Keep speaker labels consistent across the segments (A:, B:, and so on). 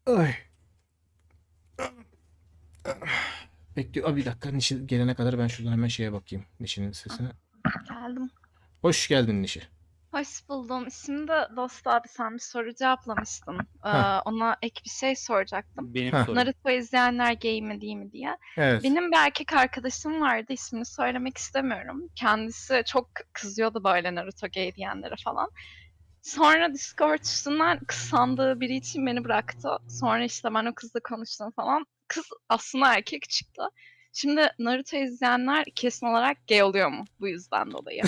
A: Ay. Bekliyor. Bir dakika. Nişi gelene kadar ben şuradan hemen şeye bakayım. Nişi'nin sesine.
B: Geldim.
A: Hoş geldin Nişi.
B: Hoş buldum. Şimdi Dost abi sen bir soru cevaplamıştın.
A: Ha,
B: Ona ek bir şey soracaktım.
C: Benim
A: ha.
C: sorum.
B: Naruto izleyenler gay mi değil mi diye.
A: Evet.
B: Benim bir erkek arkadaşım vardı. İsmini söylemek istemiyorum. Kendisi çok kızıyordu böyle Naruto gay diyenlere falan. Sonra Discord üstünden kız sandığı biri için beni bıraktı. Sonra işte ben o kızla konuştum falan. Kız aslında erkek çıktı. Şimdi Naruto izleyenler kesin olarak gay oluyor mu bu yüzden dolayı?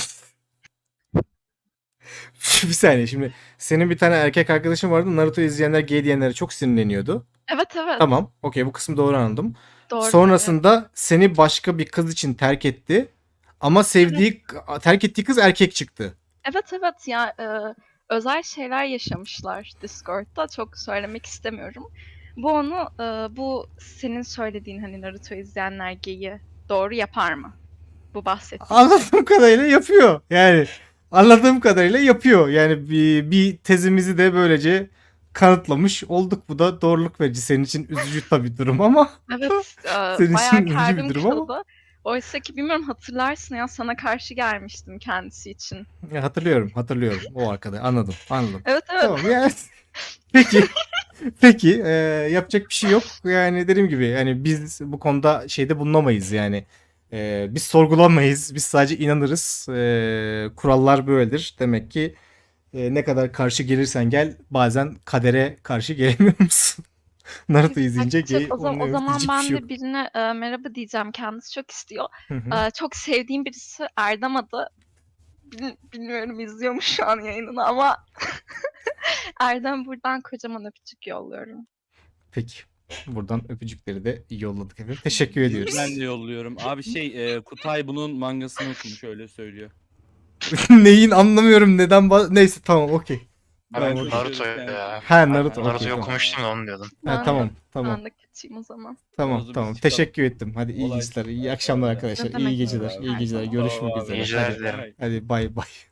A: Bir saniye şimdi. Senin bir tane erkek arkadaşın vardı. Naruto izleyenler gay diyenlere çok sinirleniyordu.
B: Evet evet.
A: Tamam. Okey, bu kısmı doğru anladım.
B: Doğru tabii.
A: Sonrasında seni başka bir kız için terk etti. Ama terk ettiği kız erkek çıktı.
B: Evet evet ya özel şeyler yaşamışlar Discord'da. Çok söylemek istemiyorum. Bu onu bu senin söylediğin hani Naruto izleyenler geyi doğru yapar mı? Bu bahsettiğin şey.
A: Anladığım kadarıyla yapıyor. Yani anladığım kadarıyla yapıyor. Yani bir tezimizi de böylece kanıtlamış olduk. Bu da doğruluk verici. Senin için üzücü tabii durum ama
B: Evet
A: senin
B: bayağı
A: için üzücü bir
B: kalbim
A: durum ama
B: kırıldı. Oysa ki bilmiyorum hatırlarsın ya sana karşı gelmiştim kendisi için.
A: ya hatırlıyorum o arkada. Anladım.
B: Evet evet.
A: Tamam yani peki peki yapacak bir şey yok. Yani dediğim gibi yani biz bu konuda şeyde bulunamayız yani. Biz sorgulamayız. Biz sadece inanırız. Kurallar böyledir. Demek ki ne kadar karşı gelirsen gel bazen kadere karşı gelemiyor musun? Naruto izleyince
B: Gerçek.
A: gay
B: O
A: olmuyor.
B: zaman
A: Diyecek bir
B: ben
A: şey yok.
B: de birine merhaba diyeceğim. Kendisi çok istiyor.
A: Hı hı.
B: Çok sevdiğim birisi Erdem adı. Bilmiyorum izliyor mu şu an yayınını ama Erdem buradan kocaman öpücük yolluyorum.
A: Peki. Buradan öpücükleri de yolladık efendim. Teşekkür ediyoruz.
C: Ben de yolluyorum. Abi Kutay bunun mangasını okumuş öyle söylüyor.
A: Neyin anlamıyorum neden neyse tamam okey.
D: Ben
A: Tamam, okey.
D: Naruto ya.
A: Ha Naruto okey
D: Naruto'yu
A: tamam.
D: okumuştum da onu diyordum.
A: Ha,
B: Ben
A: tamam
B: de,
A: tamam.
B: ben de kaçayım o zaman.
A: Tamam
C: Oğuz'um,
A: tamam.
C: biz çıkalım.
A: Teşekkür ettim. Hadi iyi
C: Olay
A: geceler.
C: çıktı.
A: İyi akşamlar
C: Eyvallah.
A: arkadaşlar.
B: Ne demek,
A: İyi geceler.
B: iyi
A: İyi geceler.
B: geceler.
A: Görüşmek
C: Tamam abi.
A: üzere.
D: İyi geceler
A: Hadi,
D: dilerim.
A: hadi bay bay.